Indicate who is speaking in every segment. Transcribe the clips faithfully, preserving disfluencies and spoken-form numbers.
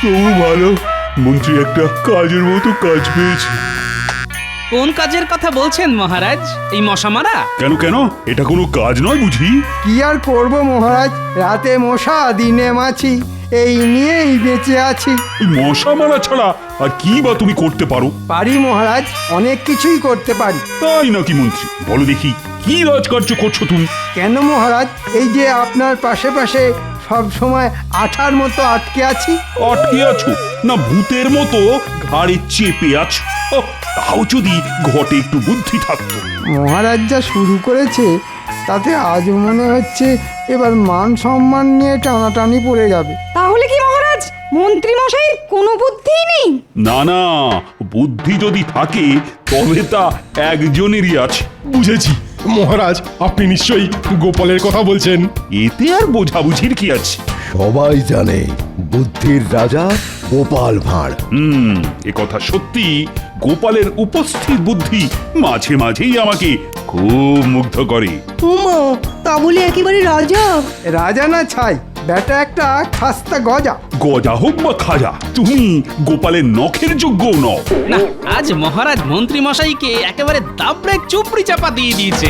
Speaker 1: তবু ভালো, মন্ত্রী একটা কাজের মতো কাজ পেয়েছে।
Speaker 2: কোন কাজের কথা বলছেন মহারাজ? এই মশা মারা?
Speaker 1: কেন কেন, এটা কোনো কাজ নয় বুঝি?
Speaker 3: কি আর করব মহারাজ, রাতে মশা দিনে মাছি, এই নিয়েই বেঁচে আছি।
Speaker 1: এই মশা মারা ছাড়া আর কি বা তুমি করতে পারো?
Speaker 3: পারি মহারাজ, অনেক কিছুই করতে পারি।
Speaker 1: তাই নাকি মন্ত্রী? বলো দেখি, কি রাজকার্য করছো তুমি?
Speaker 3: কেন মহারাজ, এই যে আপনার পাশে পাশে সব সময় আঠার মতো আটকে আছি।
Speaker 1: আটকে আছো না ভূতের মতো ঘাড়ে চেপে আছো? ওহ, তাও যদি ঘটে একটু বুদ্ধি থাকতো।
Speaker 3: মহারাজ যা শুরু করেছে তাতে আজ মনে হচ্ছে এবার মান সম্মান নিয়ে টানাটানি পড়ে যাবে।
Speaker 4: তাহলে কি মহারাজ মন্ত্রী মশাইয়ের কোনো বুদ্ধিই নেই?
Speaker 1: না না, বুদ্ধি যদি থাকে তবে তা একজনেরই আছে।
Speaker 5: বুঝেছি মহারাজ, আপনি নিশ্চয়ই গোপালের কথা বলছেন।
Speaker 1: এতে আর বোঝাবুঝির কি আছে?
Speaker 6: সবাই জানে বুদ্ধির রাজা গোপাল ভাঁড়।
Speaker 1: হুম, এ কথা সত্যি। গোপালের উপস্থিত বুদ্ধি মাঝে মাঝেই আমাকে খুব মুগ্ধ করে।
Speaker 7: ওমা, তা বলে একেবারে রাজা?
Speaker 3: রাজা না ছাই, বেটা একটা খাস্তা গজা।
Speaker 1: গজা হোক বা খাজা, তুমি গোপালের নখের যোগ্য নও।
Speaker 2: না, আজ মহারাজ মন্ত্রী মশাইকে একেবারে দাবড়ে চুপড়ি চাপা দিয়ে দিয়েছে।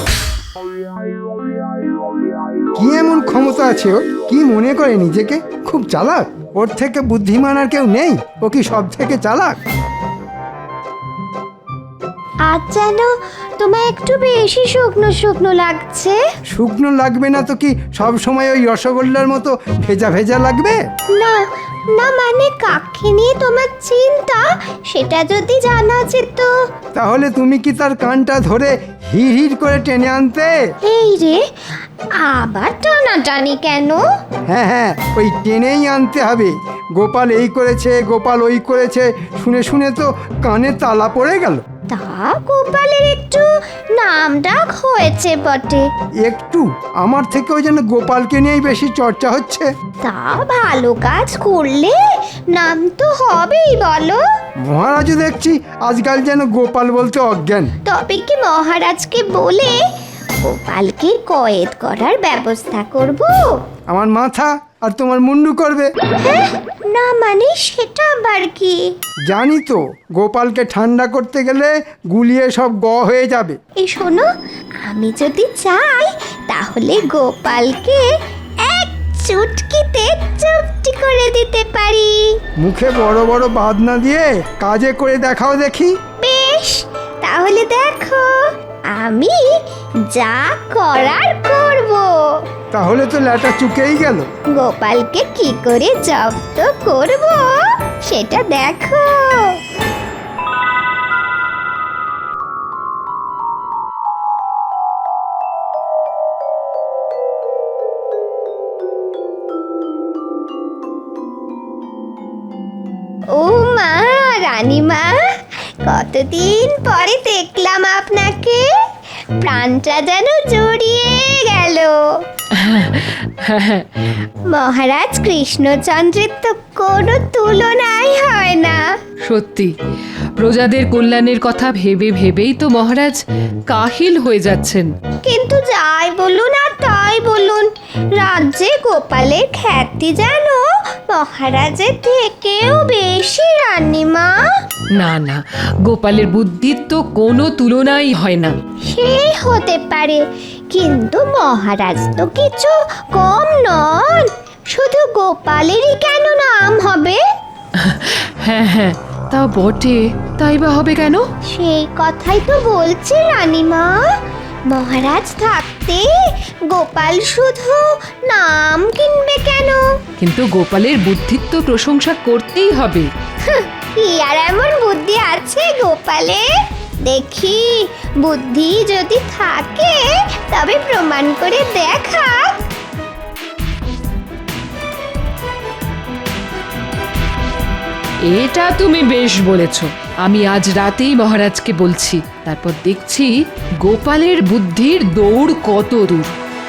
Speaker 3: কি এমন ক্ষমতা আছে ওর? কি মনে করে নিজেকে খুব চালাক? ওর থেকে বুদ্ধিমান আর কেউ নেই? ও কি সব থেকে চালাক?
Speaker 8: আজ যেন তোমায় একটু বেশি শুকনো শুকনো লাগছে।
Speaker 3: শুকনো লাগবে না তো কি সব সময় ওই রসগোল্লার মতো ভেজা ভেজা লাগবে?
Speaker 8: না না, মানে কাকে নিয়ে তোমার চিন্তা সেটা যদি জানা যেত।
Speaker 3: তাহলে তুমি কি তার কানটা ধরে হিড় হিড় করে টেনে আনতে?
Speaker 8: এই রে, আবার টানাটানি কেন?
Speaker 3: হ্যাঁ হ্যাঁ, ওই টেনেই আনতে হবে। গোপাল এই করেছে, গোপাল ওই করেছে, শুনে শুনে তো কানে তালা পড়ে গেল।
Speaker 8: তা গোপালের একটু নাম ডাক হয়েছে বটে।
Speaker 3: একটু? আমার থেকেও যেন গোপালকে নিয়েই বেশি চর্চা হচ্ছে।
Speaker 8: তা ভালো কাজ করলে নাম তো হবেই বলো।
Speaker 3: মহারাজও দেখছি আজকাল যেন গোপাল বলতে অজ্ঞান।
Speaker 8: তবে কি মহারাজকে বলে গোপালকে কয়েদ করার ব্যবস্থা করব?
Speaker 3: আমার মাথা আর তোমার মুন্ডু করবে।
Speaker 8: হ্যাঁ, না মানে সেটা আবার কি?
Speaker 3: জানি তো, গোপালকে ঠান্ডা করতে গেলে গুলিয়ে সব গ হয়ে যাবে।
Speaker 8: এই শোনো, আমি যদি চাই তাহলে গোপালকে এক চুটকিতে চুপটি করে দিতে পারি।
Speaker 3: মুখে বড় বড় বাদ না দিয়ে কাজে করে দেখাও দেখি।
Speaker 8: বেশ, তাহলে দেখো আমি যা করার করব।
Speaker 3: তাহলে তো ল্যাটা চুকেই গেল।
Speaker 8: গোপালকে কি করে জব্দ করব সেটা দেখো। ও মা, রানীমা, কতদিন পরে দেখলাম আপনাকে, প্রাণটা যেন জড়িয়ে গেল। মহারাজ কৃষ্ণচন্দ্রের তো কোনো তুলনাই হয় না।
Speaker 4: সত্যি, প্রজাদের কল্যাণের কথা ভেবে ভেবেই তো মহারাজ কাহিল হয়ে যাচ্ছেন।
Speaker 8: কিন্তু যাই বলুন আর তাই বলুন, রাজ্যে গোপালের খ্যাতি যেন মহারাজের থেকেও বেশি রানীমা।
Speaker 4: না না, গোপালের বুদ্ধির তো কোনো তুলনাই হয় না।
Speaker 8: সে হতে পারে, কিন্তু মহারাজ তো কিছু কম নন। শুধু গোপালেরই কেন নাম হবে?
Speaker 4: হ্যাঁ হ্যাঁ, তা বটে, তাই বা হবে কেন?
Speaker 8: সেই কথাই তো বলছি রানীমা। মহারাজ থাকতে গোপাল শুধু নাম কিনবে কেন?
Speaker 4: কিন্তু গোপালের বুদ্ধির তো প্রশংসা করতেই হবে।
Speaker 8: কি আর এমন বুদ্ধি আছে গোপালে? দেখি, বুদ্ধি যদি থাকে তবে প্রমাণ করে দেখা।
Speaker 4: এটা তুমি বেশ বলেছ। আমি আজ রাতেই মহারাজকে বলছি, তারপর দেখছি গোপালের বুদ্ধির দৌড় কত দূর।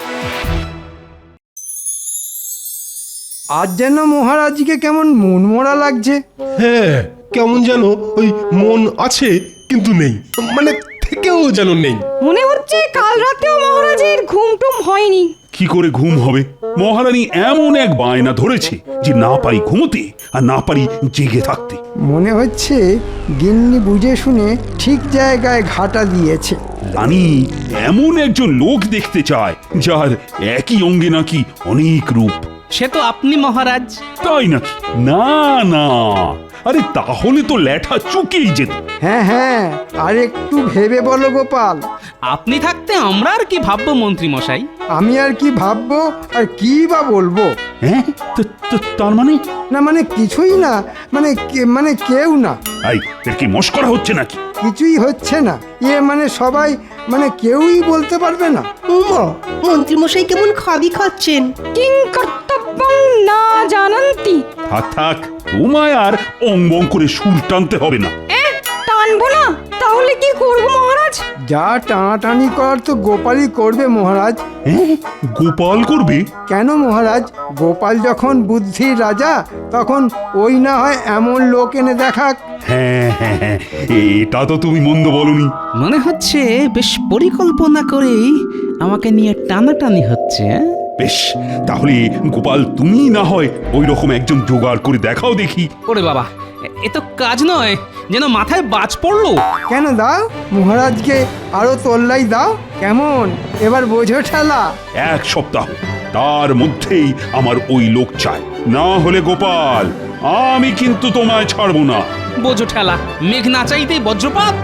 Speaker 3: আজ যেন মহারাজকে কেমন মনমরা লাগছে।
Speaker 5: হ্যাঁ, কেমন যেন ওই মন আছে কিন্তু নেই, মানে থেকেও যেন নেই।
Speaker 4: মনে হচ্ছে কাল রাতেও মহারাজের ঘুম টুম হয়নি।
Speaker 1: কি করে ঘুম হবে? মহারানী এমন এক বায়না ধরেছে যে না পারি ঘুমোতে আর না পারি জেগে থাকতে।
Speaker 3: মনে হচ্ছে গিন্নি বুঝে শুনে ঠিক জায়গায় ঘাটা দিয়েছে।
Speaker 1: রানী এমন একজন লোক দেখতে চায় যার একই অঙ্গে নাকি অনেক রূপ।
Speaker 2: সে তো আপনি মহারাজ।
Speaker 1: তাই নাকি? না না, আরে তাহলে তো ল্যাঠা চুকেই যেত।
Speaker 3: হ্যাঁ হ্যাঁ, আর একটু ভেবে বলো গোপাল।
Speaker 2: আপনি থাকতে আমরা আর কি ভাববো মন্ত্রী মশাই?
Speaker 3: আমি আর কি ভাববো আর কি বা বলবো?
Speaker 1: হ্যাঁ, তো- তো- তার মানে
Speaker 3: না মানে কিছুই না, মানে কে- মানে কেউ না,
Speaker 1: এই এর কি মস্করা হচ্ছে নাকি?
Speaker 3: কিছুই হচ্ছে না। ইয়ে মানে সবাই মানে কেউই বলতে পারবে না।
Speaker 7: উমা মন্ত্রীমশাই কেমন খাবি খাচ্ছেন।
Speaker 9: কিং কর্তব্যং না জানান্তি।
Speaker 1: থাক থাক, তোমায় আর অঙ্গং করে সুর টানতে হবে না।
Speaker 9: এ টানবো না, তাহলে কি করব মহারাজ?
Speaker 3: যা টানাটানি করার তো গোপালই করবে মহারাজ।
Speaker 1: হ্যাঁ, গোপাল করবে?
Speaker 3: কেন মহারাজ, গোপাল যখন বুদ্ধির রাজা তখন ওই না হয় এমন লোক এনে দেখাক।
Speaker 1: হ্যাঁ হ্যাঁ হ্যাঁ, এটা তো তুমি মন্দ বলনি।
Speaker 2: মনে হচ্ছে বেশ পরিকল্পনা করেই আমাকে নিয়ে টানাটানি হচ্ছে। হ্যাঁ?
Speaker 1: বেশ, তাহলে গোপাল তুমি না হয় ওই রকম একজন জোগাড় করে দেখাও দেখি।
Speaker 2: ওরে বাবা, এ- এ তো কাজ নয়, যেন মাথায় বাজ পড়লো।
Speaker 3: কেন দাও, মহারাজকে আরো তোল্লাই দাও। কেমন এবার বোঝো ঠেলা?
Speaker 1: এক সপ্তাহ, তার মধ্যেই আমার ওই লোক চাই, না হলে গোপাল আমি কিন্তু তোমায় ছাড়বো না।
Speaker 2: বোঝো ঠেলা, মেঘ না চাইতেই বজ্রপাত।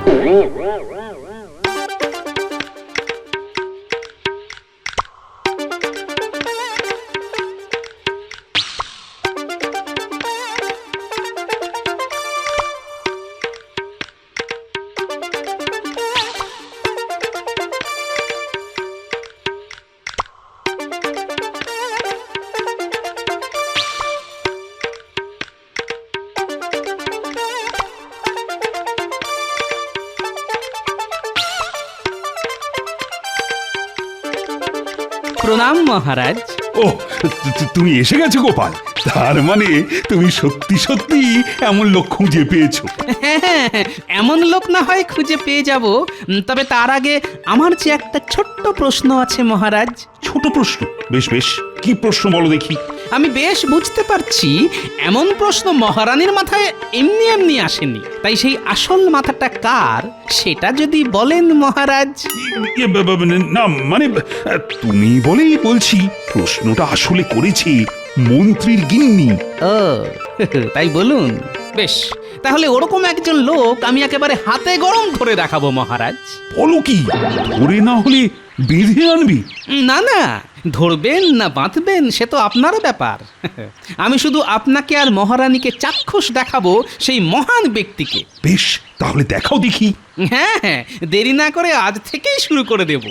Speaker 2: প্রণাম মহারাজ।
Speaker 1: ও, তু- তু- তুমি এসে গেছো গোপাল, তার মানে তুমি সত্যি সত্যি এমন লোক খুঁজে পেয়েছো।
Speaker 2: হ্যাঁ, এমন লোক না হয় খুঁজে পেয়ে যাব, উম, তবে তার আগে আমার যে একটা ছোট্ট প্রশ্ন আছে মহারাজ।
Speaker 1: ছোট প্রশ্ন? বেশ বেশ, কি প্রশ্ন বলো দেখি।
Speaker 2: আমি বেশ বুঝতে পারছি এমন প্রশ্ন মহারানীর মাথায় এমনি এমনি আসেনি, তাই সেই আসল মাথাটা কার সেটা যদি বলেন মহারাজ।
Speaker 1: ইয়ে, ব- ব- ব- না মানে আহ, তুমি বলেই বলছি, প্রশ্নটা আসলে করেছি মন্ত্রীর গিন্নি।
Speaker 2: ও তাই বলুন। বেশ, তাহলে ওরকম একজন লোক আমি একেবারে হাতে গরম করে দেখাবো মহারাজ।
Speaker 1: বলো কি, ধরে না হলে বেঁধে আনবি?
Speaker 2: না না, ধরবেন না বাঁধবেন সে তো আপনার ব্যাপার। আমি শুধু আপনাকে আর মহারানীকে চাক্ষুষ দেখাবো সেই মহান ব্যক্তিকে।
Speaker 1: বেশ, তাহলে দেখাও দেখি।
Speaker 2: হ্যাঁ হ্যাঁ, দেরি না করে আজ থেকেই শুরু করে দেব।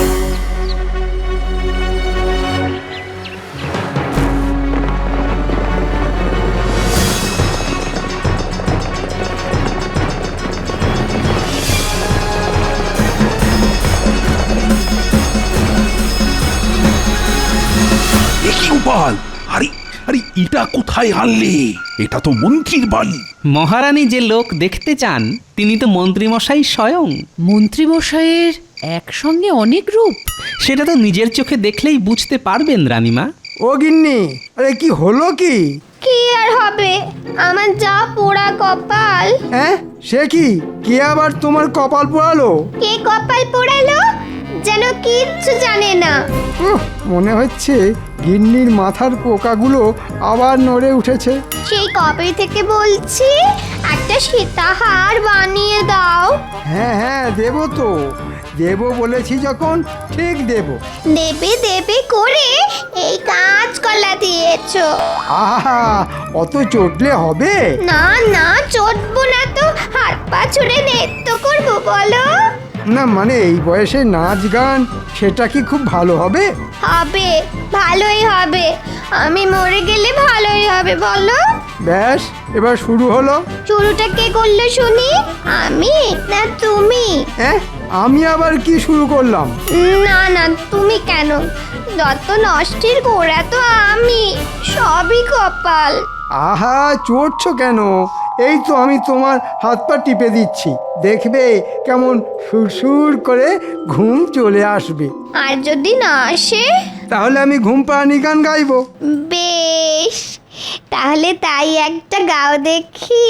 Speaker 1: এ কি গোপাল, আরে আরে এটা কোথায় আনলে? এটা তো মন্ত্রীর বাড়ি।
Speaker 2: মহারানী যে লোক দেখতে চান তিনি তো মন্ত্রীমশাই স্বয়ং।
Speaker 4: মন্ত্রীমশাইয়ের একসঙ্গে অনেক রূপ।
Speaker 2: সেটা তো নিজের চোখে দেখলেই বুঝতে পারবেন রানীমা।
Speaker 3: ও গিন্নি, আরে কি হলো কি?
Speaker 8: কি আর হবে, আমার যা পোড়া কপাল।
Speaker 3: হ্যাঁ, সে কি? কে আবার তোমার কপাল পোড়ালো?
Speaker 8: কে কপাল পোড়ালো যেন কিচ্ছু জানে না।
Speaker 3: উহ, মনে হচ্ছে গিন্নির মাথার পোকাগুলো আবার নড়ে উঠেছে।
Speaker 8: সেই কবে থেকে বলছি একটা সীতাহার বানিয়ে দাও।
Speaker 3: হ্যাঁ হ্যাঁ, দেবো তো, দেবো বলেছি যখন ঠিক দেবো।
Speaker 8: দেবে দেবে করে এই কাঁচকলা দিয়েছো।
Speaker 3: আহা, অত চটলে হবে?
Speaker 8: না না, চটবো না তো, হাত পা ছুড়ে নৃত্য করবো বলো।
Speaker 3: না মানে এই বয়সে নাচ গান সেটা কি খুব ভালো হবে?
Speaker 8: হবে, ভালোই হবে। আমি মরে গেলে ভালোই হবে বলো।
Speaker 3: ব্যাস, এবার শুরু হলো।
Speaker 8: শুরুটা কে করলো শুনি, আমি না তুমি?
Speaker 3: হ্যাঁ, আমি আবার কি শুরু করলাম?
Speaker 8: না না, তুমি কেন? যত নষ্টের গোড়া তো আমি, সবই কপাল।
Speaker 3: আহা, চড়ছো কেন? এই তো আমি তোমার হাত পা টিপে দিচ্ছি, দেখবে কেমন সুরসুর করে ঘুম চলে আসবে।
Speaker 8: আর যদি না আসে?
Speaker 3: তাহলে আমি ঘুম পাড়ানি গান গাইবো।
Speaker 8: বেশ, তাহলে তাই একটা গাও দেখি।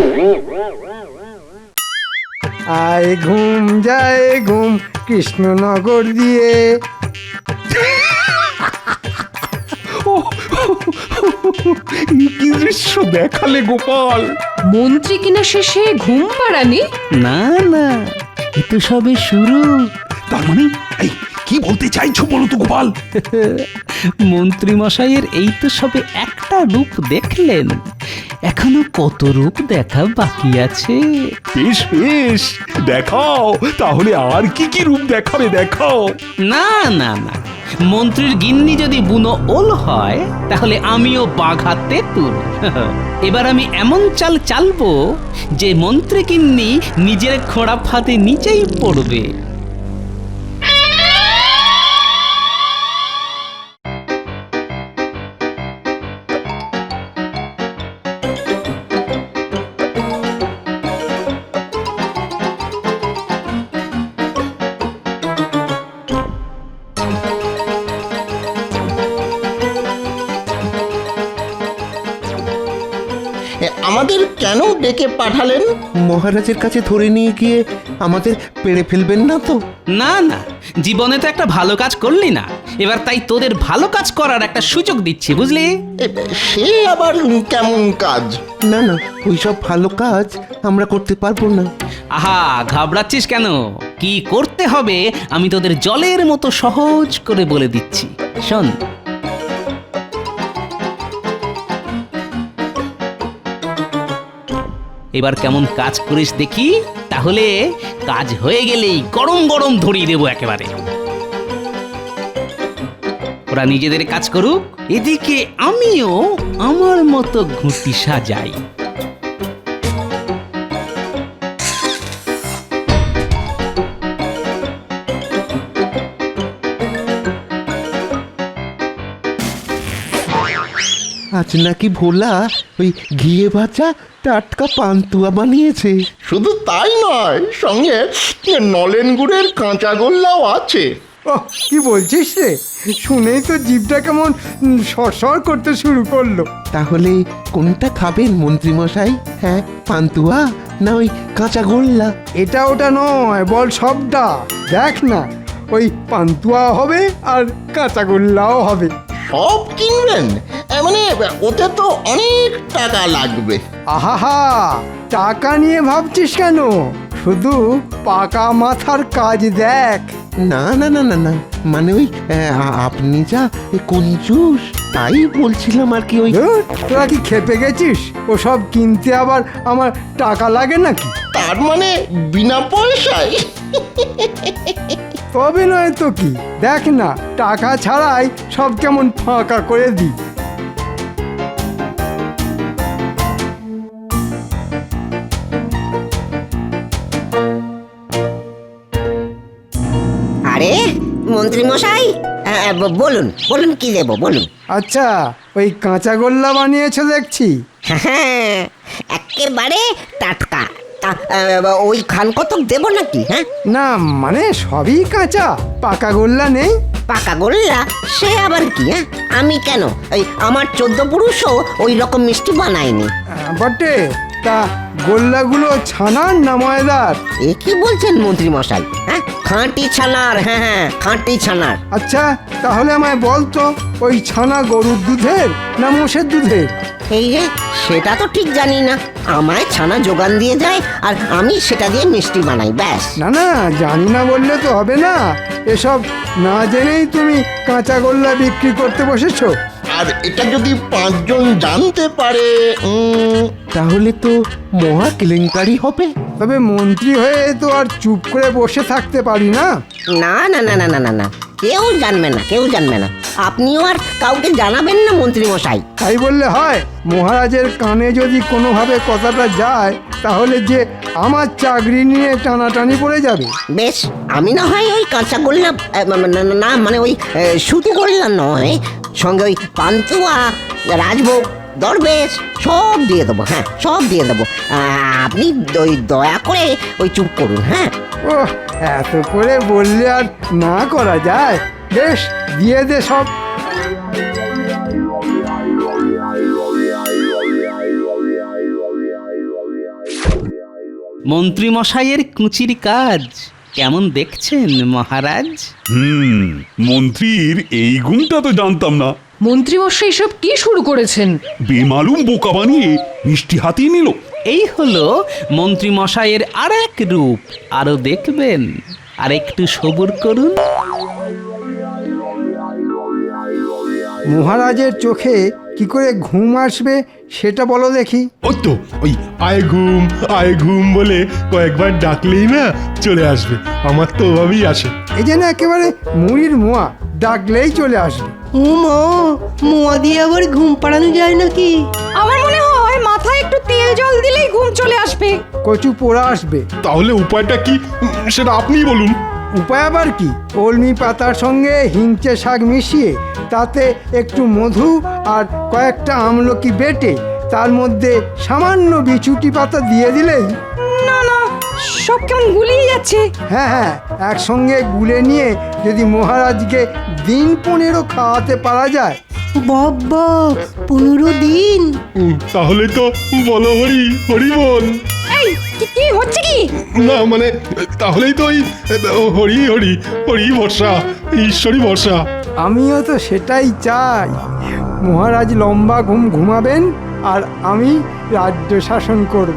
Speaker 3: আয় ঘুম যায় ঘুম কৃষ্ণনগর দিয়ে।
Speaker 1: কি দৃশ্য দেখালে গোপাল!
Speaker 4: মন্ত্রী কিনা শেষে ঘুম পাড়ানি?
Speaker 2: না না, এ তো সবে শুরু।
Speaker 1: তার মানে এই কি বলতে চাইছো বলো তো গোপাল?
Speaker 2: মন্ত্রী মশাইয়ের এই তো সবে একটা রূপ দেখলেন, এখনো কত রূপ দেখা বাকি আছে।
Speaker 1: বেশ বেশ, দেখাও তাহলে, আর কি কি রূপ দেখাবে দেখাও।
Speaker 2: না না না, মন্ত্রীর গিন্নি যদি বুনো ওল হয় তাহলে আমিও বাঘা তেঁতুল। এবার আমি এমন চাল চালবো যে মন্ত্রী গিন্নি নিজের খোঁড়া ফাঁদে নিচেই পড়বে।
Speaker 10: আমাদের কেন ডেকে পাঠালেন?
Speaker 6: মহারাজের কাছে ধরে নিয়ে গিয়ে আমাদের পেড়ে ফেলবেন না তো?
Speaker 2: না না, জীবনে তো একটা ভালো কাজ করলি না, এবার তাই তোদের ভালো কাজ করার একটা সুযোগ দিচ্ছি, বুঝলি?
Speaker 10: এ, সে আবার কেমন কাজ?
Speaker 6: না না, ওইসব ভালো কাজ আমরা করতে পারবো না।
Speaker 2: আহা, ঘাবড়াচ্ছিস কেন? কি করতে হবে আমি তোদের জলের মতো সহজ করে বলে দিচ্ছি, শোন। এবার কেমন কাজ করিস দেখি, তাহলে কাজ হয়ে গেলেই গরম গরম ধরিয়ে দেবো একেবারে। ওরা নিজেদের কাজ করুক, এদিকে আমিও আমার মতো ঘুঁটি সাজাই।
Speaker 6: আজ নাকি ভোলা ওই ঘিয়ে ভাজা টাটকা পান্তুয়া বানিয়েছে।
Speaker 10: শুধু তাই নয়, সঙ্গে নলেন গুড়ের কাঁচা গোল্লাও আছে।
Speaker 3: ও কি বলছিস রে, শুনেই তো জিভটা কেমন সরসর করতে শুরু করলো।
Speaker 6: তাহলে কোনটা খাবেন মন্ত্রী মশাই? হ্যাঁ, পান্তুয়া না ওই কাঁচা গোল্লা?
Speaker 3: এটা ওটা নয়, বল সবটা। দেখ না, ওই পান্তুয়া হবে আর কাঁচাগোল্লাও হবে।
Speaker 10: সব কিনবেন? এ, মানে ওতে তো অনেক টাকা লাগবে।
Speaker 3: আহাহা, টাকা নিয়ে ভাবছিস কেন? শুধু পাকা মাথার কাজ দেখ।
Speaker 6: না না না না না, মানে ওই আ- আপনি যা কঞ্জুস, তাই বলছিলাম আর কি। ওই
Speaker 3: ধুর, তোরা কি খেপে গেছিস? ওসব কিনতে আবার আমার টাকা লাগে নাকি?
Speaker 10: তার মানে বিনা পয়সায়?
Speaker 3: তবে নয় তো কি, দেখ না, টাকা ছাড়াই সব কেমন ফাঁকা করে দিই।
Speaker 11: আরে মন্ত্রী মশাই, বলুন বলুন কি দেবো বলুন।
Speaker 3: আচ্ছা, ওই কাঁচাগোল্লা বানিয়েছো দেখছি।
Speaker 11: হ্যাঁ, একেবারে টাটকা। তা, আহ, ওই খান কতক দেবো নাকি? হ্যাঁ,
Speaker 3: না মানে সবই কাঁচা, পাকা গোল্লা নেই।
Speaker 11: পাকা গোল্লা সে আবার কি? হ্যাঁ, আমি কেন, ওই আমার চোদ্দ পুরুষও ওই রকম মিষ্টি বানায়নি।
Speaker 3: আহ, বটে, তা গোল্লাগুলো ছানার না ময়দার?
Speaker 11: এ কি বলছেন মন্ত্রী মশাই? হ্যাঁ, খাঁটি ছানার। হ্যাঁ হ্যাঁ, খাঁটি ছানার।
Speaker 3: আচ্ছা, তাহলে আমায় বল তো, ওই ছানা গরুর দুধের না মোষের দুধের?
Speaker 11: এই রে, সেটা তো ঠিক জানি না। আমায় ছানা যোগান দিয়ে যায় আর আমি সেটা দিয়ে মিষ্টি বানাই, ব্যাস।
Speaker 3: না না, জানি না বললে তো হবে না। এসব না জেনেই তুমি কাঁচাগোল্লা বিক্রি করতে বসেছো।
Speaker 10: আর এটা যদি পাঁচজন জানতে পারে, উম,
Speaker 6: তাহলে তো মহা কেলেঙ্কারি হবে।
Speaker 3: তবে মন্ত্রী হয়ে তো আর চুপ করে বসে থাকতে পারি না।
Speaker 11: না না না না না না না, কেউ জানবে না, কেউ জানবে না। আপনিও আর কাউকে জানাবেন না মন্ত্রী মশাই।
Speaker 3: তাই বললে হয়? মহারাজের কানে যদি কোনোভাবে কথাটা যায়, তাহলে যে আমার চাকরি নিয়ে টানাটানি পড়ে যাবে।
Speaker 11: বেশ, আমি না হয় ওই কাঁচা গোল্লা, আহ, না, না, না মানে ওই আহ, শুধু গোল্লা নয়, সঙ্গে ওই পান্তুয়া, রাজভোগ, দরবেশ সব দিয়ে দেবো। হ্যাঁ, সব দিয়ে দেবো। আহ, আপনি ওই দয়া করে ওই চুপ করুন। হ্যাঁ,
Speaker 3: ও, এত করে বললে আর না করা যায়? বেশ দিয়ে দে সব।
Speaker 2: মন্ত্রী মশাইয়ের কুচির কাজ কেমন দেখছেন মহারাজ?
Speaker 1: হুম মন্ত্রীর এই গুণটা তো জানতাম না।
Speaker 4: মন্ত্রীমশাই সব কি শুরু করেছেন?
Speaker 1: বেমালুম বোকা বানিয়ে মিষ্টি হাতিয়ে নিল।
Speaker 2: এই হলো মন্ত্রী মশাইয়ের আর এক রূপ। আরো দেখবেন, আর একটু সবুর করুন।
Speaker 3: মহারাজের চোখে কি করে ঘুম আসবে সেটা বলো দেখি।
Speaker 5: ওই তো ওই আয় ঘুম আয় ঘুম বলে কয়েকবার ডাকলেই না চলে আসবে। আমার তো ওভাবেই আসে।
Speaker 3: এই যেন একেবারে মুড়ির মোয়া, ডাকলেই চলে আসবে।
Speaker 7: ও মা, মোয়া দিয়ে আবার ঘুম পাড়ানো যায় নাকি?
Speaker 9: আমার মনে হয় মাথায় একটু তেল জল দিলেই ঘুম চলে আসবে।
Speaker 3: কচু পোড়া আসবে।
Speaker 5: তাহলে উপায়টা কি সেটা আপনিই বলুন।
Speaker 3: উপায় আবার কি, কলমি পাতার সঙ্গে হিংচে শাক মিশিয়ে তাতে একটু মধু আর কয়েকটা আমলকি বেটে তার মধ্যে সামান্য বিছুটি পাতা দিয়ে দিলেই।
Speaker 9: না না, সব কেমন গুলিয়ে যাচ্ছে।
Speaker 3: হ্যাঁ হ্যাঁ, একসঙ্গে গুলে নিয়ে যদি মহারাজকে দিন পনেরো খাওয়াতে পারা যায়।
Speaker 7: বাবা, পনেরো দিন?
Speaker 5: উম, তাহলে তো বলো হরি হরি বল।
Speaker 9: এই কি কি হচ্ছে কি?
Speaker 5: না মানে তাহলেই তো ওই হরি হরি হরি ভরসা, ঈশ্বরী ভরসা।
Speaker 3: আমিও তো সেটাই চাই। মহারাজ লম্বা ঘুম ঘুমাবেন আর আমি রাজ্য শাসন করব।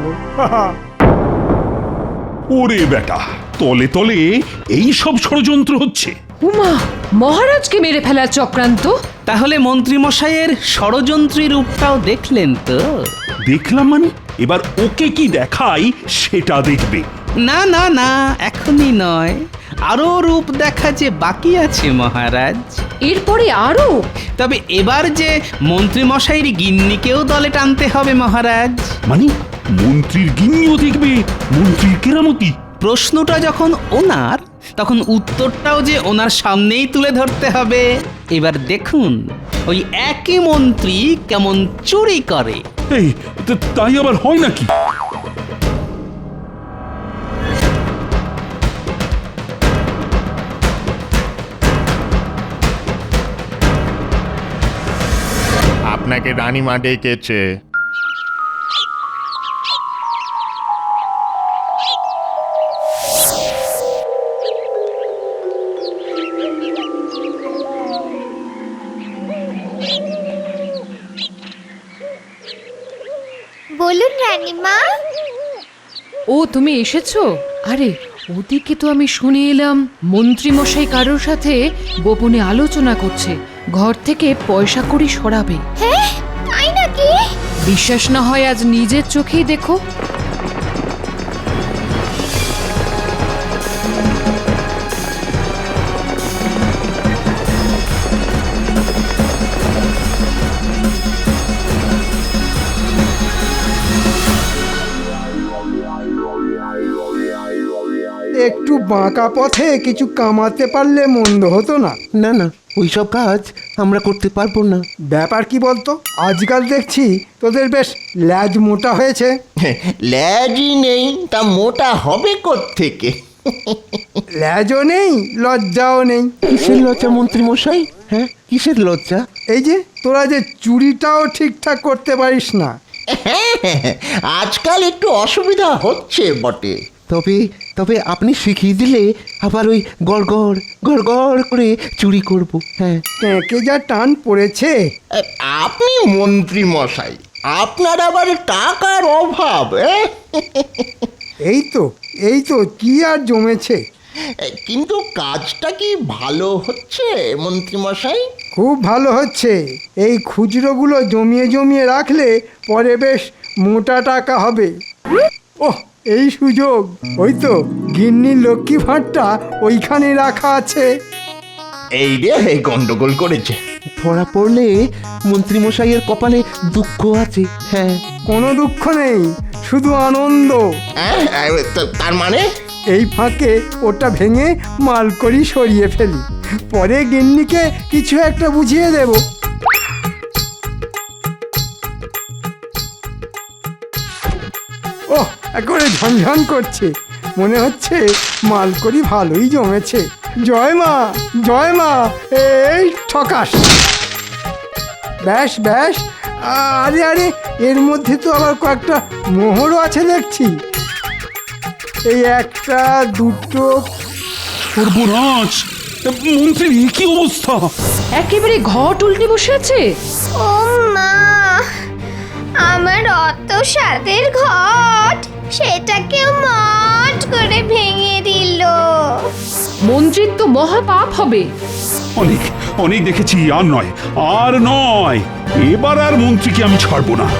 Speaker 1: ওরে বেটা, তলে তলে এই সব ষড়যন্ত্র হচ্ছে।
Speaker 4: উমা, মহারাজকে মেরে ফেলার চক্রান্ত।
Speaker 2: তাহলে মন্ত্রী মশাইয়ের ষড়যন্ত্রী রূপটাও দেখলেন তো?
Speaker 1: দেখলাম মানে এবার ওকে কি দেখাই সেটা দেখবে।
Speaker 2: না না না, এখনই নয়, আরো রূপ দেখা যে বাকি আছে মহারাজ।
Speaker 4: এরপরে আরো?
Speaker 2: তবে এবার যে মন্ত্রী মশাইয়ের গিন্নিকেও দলে টানতে হবে মহারাজ।
Speaker 1: মানে মন্ত্রীর গিন্নিও দেখবে মন্ত্রীর কেরামতি?
Speaker 2: প্রশ্নটা যখন ওনার, তখন উত্তরটাও যে ওনার সামনেই তুলে ধরতে হবে। এবার দেখুন ওই একই মন্ত্রী কেমন চুরি করে।
Speaker 1: এই তা- তাই আবার হয় নাকি?
Speaker 10: আপনাকে রানীমা ডেকেছে।
Speaker 8: বলুন রানীমা।
Speaker 4: ও তুমি এসেছো? আরে ওদিকে তো আমি শুনে এলাম মন্ত্রী মশাই কারোর সাথে গোপনে আলোচনা করছে, ঘর থেকে পয়সা কড়ি সরাবে।
Speaker 8: হ্যাঁ, তাই নাকি?
Speaker 4: বিশ্বাস না হয় আজ নিজের চোখেই দেখো।
Speaker 3: একটু বাঁকা পথে কিছু কামাতে পারলে মন্দ হতো না।
Speaker 6: না না, ওইসব কাজ আমরা করতে পারবো না।
Speaker 3: ব্যাপার কি বলতো, আজকাল দেখছি তোদের বেশ ল্যাজ মোটা হয়েছে।
Speaker 10: ল্যাজই নেই তা মোটা হবে কোত্থেকে?
Speaker 3: ল্যাজও নেই, লজ্জাও নেই।
Speaker 6: কিসের লজ্জা মন্ত্রী মশাই? হ্যাঁ, কিসের লজ্জা?
Speaker 3: এই যে তোরা যে চুরিটাও ঠিকঠাক করতে পারিস না।
Speaker 10: আজকাল একটু অসুবিধা হচ্ছে বটে।
Speaker 6: তবে তবে আপনি শিখিয়ে দিলে আবার ওই গড় গড় গড় গড় করে চুরি করব। হ্যাঁ,
Speaker 3: ট্যাঁকে যা টান পড়েছে।
Speaker 10: আপনি মন্ত্রী মশাই, আপনার আবার টাকার অভাব। এ?
Speaker 3: এই তো এই তো কি আর জমেছে।
Speaker 10: কিন্তু কাজটা কি ভালো হচ্ছে মন্ত্রী মশাই?
Speaker 3: খুব ভালো হচ্ছে। এই খুচরোগুলো জমিয়ে জমিয়ে রাখলে পরে বেশ মোটা টাকা হবে। ওহ, এই সুযোগ। ওই তো গিন্নির লক্ষ্মী ভাঁড়টা ওইখানে রাখা আছে।
Speaker 10: এই রে গন্ডগোল করেছে।
Speaker 6: ধরা পড়লে মন্ত্রী মশাইয়ের কপালে দুঃখ আছে। হ্যাঁ,
Speaker 3: কোনো দুঃখ নেই, শুধু আনন্দ।
Speaker 10: হ্যাঁ, তার মানে?
Speaker 3: এই ফাঁকে ওটা ভেঙে মাল করি সরিয়ে ফেলি, পরে গিন্নিকে কিছু একটা বুঝিয়ে দেব। ওহ, একেবারে ঝনঝন করছে। মনে হচ্ছে মাল করি ভালোই জমেছে। জয় মা জয় মা এই ঠকাস ব্যাস ব্যাস আরে আরে এর মধ্যে তো আবার কয়েকটা মোহরও আছে দেখছি এই একটা দুটো
Speaker 1: সর্বনাশ মন্ত্রীর এ কি অবস্থা?
Speaker 4: একেবারে ঘট উল্টে বসে আছে।
Speaker 8: ও মা, আমার অত স্বাদের ঘট সেটাকেও মট করে ভেঙে দিল।
Speaker 4: মন্ত্রীর তো মহা পাপ হবে।
Speaker 1: অনেক অনেক দেখেছি, আর নয় আর নয়, এবার আর মন্ত্রীকে আমি ছাড়বো না।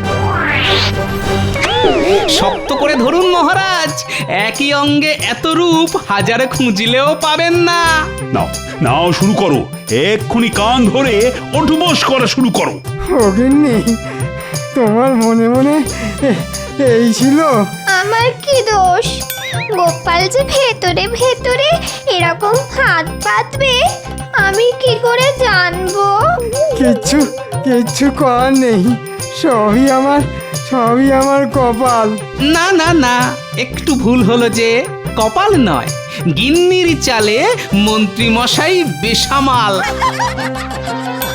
Speaker 2: শক্ত করে ধরুন মহারাজ, একই অঙ্গে এত রূপ হাজারে খুঁজলেও পাবেন না।
Speaker 1: নাও নাও শুরু করো, এক্ষুনি কান ধরে ওঠবোস করা শুরু করো।
Speaker 3: অগিন্নি তোমার মনে মনে এ- এই ছিল?
Speaker 8: আমার কি দোষ? গোপাল যে ভেতরে ভেতরে এরকম হাত পাতবে আমি কি করে জানবো?
Speaker 3: কিচ্ছু কিচ্ছু করার নেই, সবই আমার সবই আমার কপাল।
Speaker 2: না না না, একটু ভুল হলো যে, কপাল নয়, গিন্নির চালে মন্ত্রী মশাই বেসামাল।